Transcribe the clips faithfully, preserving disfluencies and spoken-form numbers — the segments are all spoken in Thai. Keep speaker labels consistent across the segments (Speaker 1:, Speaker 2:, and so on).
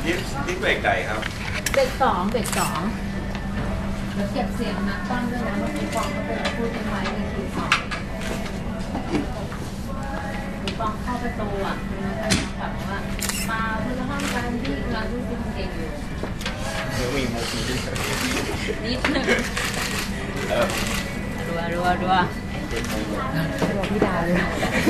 Speaker 1: ทิปทิปเบรกไก่ครับ
Speaker 2: เบรกสองเบรกสองเดี๋ยวเก็บเสียงนักตั้งด้วยนะว่าคุณฟองเขาเป็นพูดทิ้งไว้ในทีสองคุณฟองเข้าประตูอ่ะคุณนักตั้งแบบว่ามาเพื่อห้องการที่เราดูซิมเก่งอยู่
Speaker 1: เดี๋ยวมีมุกนิดนึง
Speaker 2: นิดนึง
Speaker 1: เออ
Speaker 2: รัวรัวรัวรัวพี่ดาวเลย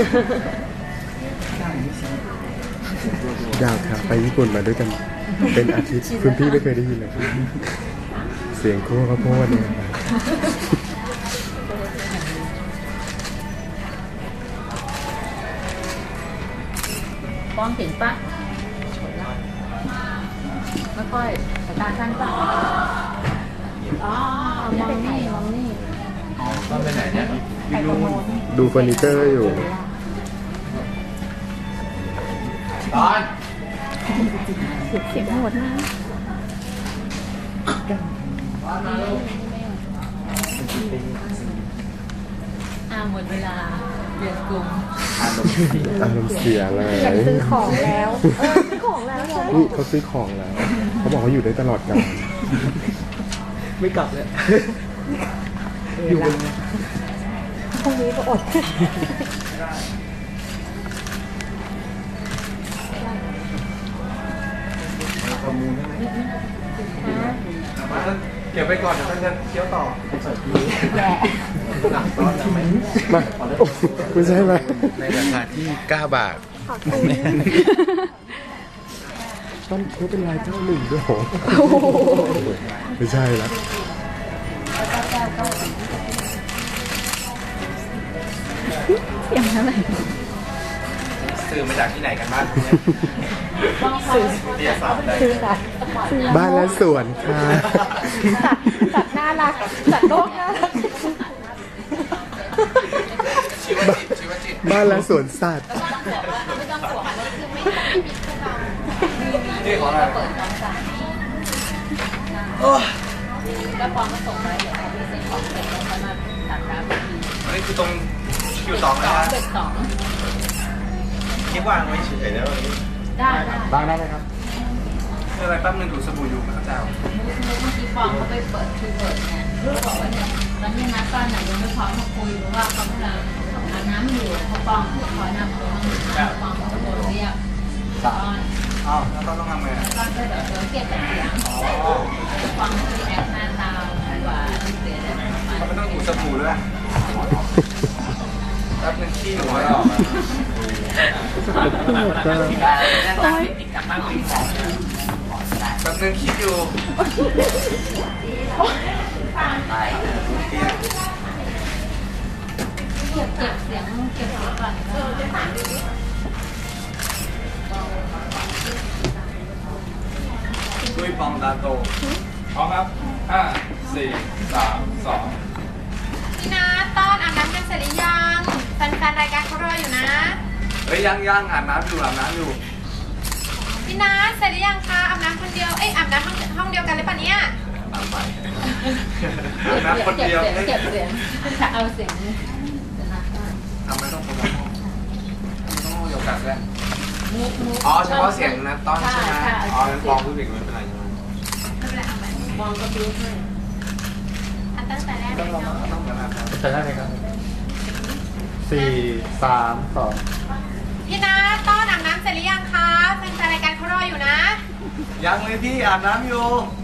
Speaker 3: ดาวครับไปญี่ปุ่นมาด้วยกันเป็นอาทิตย์คุณพี่ไม่เคยได้ยินเลยเสียงโค้ข้าวโพดเนี่ย
Speaker 2: ป้องเห็นปะไม่ค่อยสายตาสั้นปะอ๋อมองนี่มองนี่
Speaker 1: ก็ไปไหนเนี่ยพี่ลุง
Speaker 3: ดูเฟอร์นิเจอร์อยู่
Speaker 1: ตอน
Speaker 2: เสียงหมดนะอ่าหมดเวลาเรียนกลุ่ม
Speaker 3: อารมณ์เสียเลย
Speaker 2: อยากซื้อของแล้วเออซื้อของแล้ว
Speaker 3: นี่เขาซื้อของแล้วเขาบอกเขาอยู่ได้ตลอดกาล
Speaker 1: ไม่กลับเลยอยู่เลย
Speaker 2: พรุ่งนี้ก็อด
Speaker 1: ประมูลได้ไหมเก็บไปก่อนเดี๋ยวท่านจะเคี้ยวต่อใส่ที
Speaker 2: แย่
Speaker 1: หนักต้อนไหม
Speaker 3: มาคุณใช่ไหม
Speaker 1: ในราคาที่เก้าบาท
Speaker 3: ต้นเขาเป็นลายเจ้าหนึ่งด้วยโหไม่ใช่แล้ว
Speaker 2: เสียงอะไร
Speaker 1: ซื้อมาจากที่ไหนกันบ้าง
Speaker 2: ซื้อ
Speaker 1: เรียนสามได้
Speaker 3: บ้านและสวนค่ะ
Speaker 2: สัตว์สัตว์น่ารักสัตว์โลกน่ารัก
Speaker 3: บ้านและสวนสัตว์
Speaker 1: นี่ของอะไร
Speaker 2: แล้วฟองก็ส่งไปเดี๋ยวเขาพิเศษของเสร็จแล้วมาตัดรับ
Speaker 1: อันนี้คือตรงคิวสองนะ
Speaker 2: เด็กสอง
Speaker 1: คิดว่างไว้เฉยๆแล้ว
Speaker 2: ได้
Speaker 1: บางได้ไหมครับคืออะไรแป๊บนึงดูสบู่อยู่มันก็จะ
Speaker 2: เมื่อกี้ฟองเขาไปเปิดคือเปิดเนี่ยบอกว่าเนี่ยตอนนี้นัดตอนไหนยังไม่พร้อมมาคุยหรือว่าเขากำลังอาบน้ำอยู่เขาฟองขอนำตัวฟองเขาตะโกนเรียกตอน
Speaker 1: อ้าวแล้วต้องทำไง
Speaker 2: ตอนก็เดี๋ยวเดี๋ยวเก็บแต่เสียงฟองเขาแอบหน้าตาดีกว่าเสียได้ไหม
Speaker 1: เขาไม่ต้องดูสบู่ด้วยแป๊บนึงขี้หัวเราแป๊บนึงคิดอยู่
Speaker 2: เก็บเก็บเสียงเก็บเสียงก่อน
Speaker 1: ดุยปองดาโตพร้อมครับห้าสี่สามสอง
Speaker 4: พี่นัทต้อนอาบน้ำกันเสร็จหรือยังแฟนๆรายการเขารออยู่นะ
Speaker 1: เฮ้ยยังยังอาบน้ำอยู่อาบน้ำอยู่
Speaker 4: พี่นัทเสร็จหรือยังคะอาบน้ำคนเดียวเอ้ยอาบน้ำห้องห้องเดียวกันหรือเปล่าเนี่ย
Speaker 1: อาบใหม่อาบน้ำคนเดียว
Speaker 2: เก็บเสียงจะเอาเสียง
Speaker 1: ทำไมต้องคนละห้องต้องห้องเดียวกันด้วยอ๋อเฉพาะเสียงนะต้อนใช่ไหมอ๋อเป็นฟองผู้หญิงไม่เป็นไรใช่ไหม
Speaker 4: ไม่เป็นไรเอาไหม
Speaker 2: มองก็ดูให้
Speaker 4: อันตั้งแต่แรกเลยเนาะ
Speaker 1: ต้องกันนะครับ
Speaker 3: ใช่ได้ครับสี่สามสอง
Speaker 4: พี่นัทต้อนอาบน้ำเสร็จหรือยังคะแฟนๆรายการเขารออยู่นะ
Speaker 1: ยังเลยพี่อาบน้ำอยู่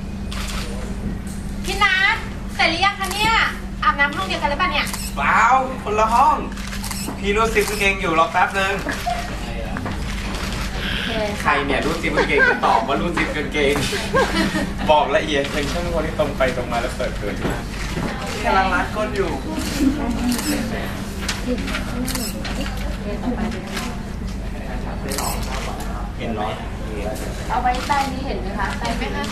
Speaker 4: พี่นัทเสร็จหรือยังคะเนี่ยอาบน้ำห้องเดียวกันหรือเปล่าเนี่ย
Speaker 1: เปล่าคนละห้องพี่รู้สิบกางเกงอยู่รอแป๊บนึงใครเนี่ยรู้สิบกางเกงจะตอบว่ารู้สิบกางเกงบอกละเอียดเป็นช่างคนที่ตรงไปตรงมาแล้วเปิดเผยกำลังรัดก้นอยู่เห็นร้อน
Speaker 2: เอาไว้ใต้นี้เห็นไหมคะใต้ไหมคะ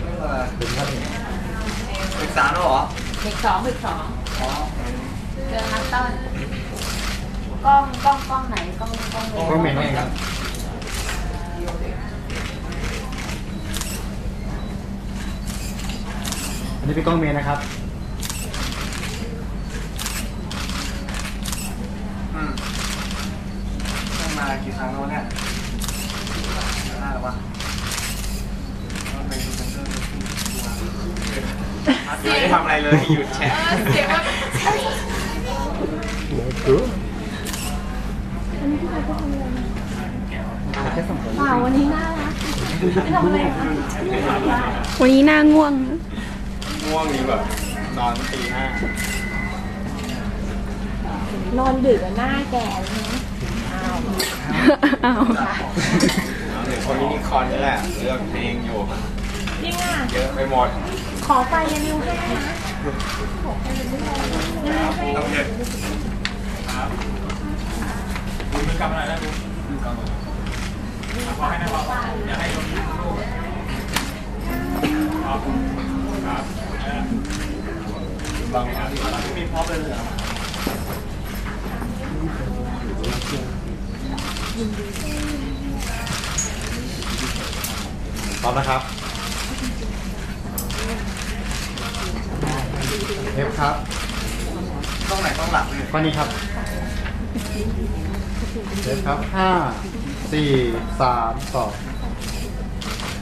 Speaker 1: ปรึกษาแล้วเหรอ
Speaker 2: เด็กสองเด็กสองเจอนักต้นกล้องกล้องกล้องไหนกล้องกล้องเมย์
Speaker 3: กล้องเมย์นี่ครับอันนี้เป็นกล้องเมย์นะครับ
Speaker 1: อืมมากี่ครั้งแล้วเนี่ยน่าหรือวะอะไรเลยหยุดแชะ
Speaker 4: เออเสียงแบบ
Speaker 3: น่ากลัว
Speaker 2: เปล่าวันนี้น่ารักไม่ทำอะไรคะ
Speaker 5: วันนี้หน้าง่วง
Speaker 1: ง่วงนี่แบบนอนตีห้าน
Speaker 2: อนดึกอะหน้าแก่เลยนะ
Speaker 5: อ้าว
Speaker 1: เอาเดี๋ยวคนนี้นิคอนนี่แหละเลือกเพลงอยู่
Speaker 2: จริงอ่ะ
Speaker 1: เยอะไปหมด
Speaker 2: ขอไฟยานิวให้นะ
Speaker 1: ต้องเด็ดครับคุณมือกำอะไรนะคุณมือกำอะไรขอให้นะบอกอย่าให้ลงลูกครับครับบางครั้งมีพร้อมเลยเหรอพร้อมนะครับเทปครับต้องไหนต้องหลับเลยข้อนี้ครับเทปครับห้าสี่สามสอง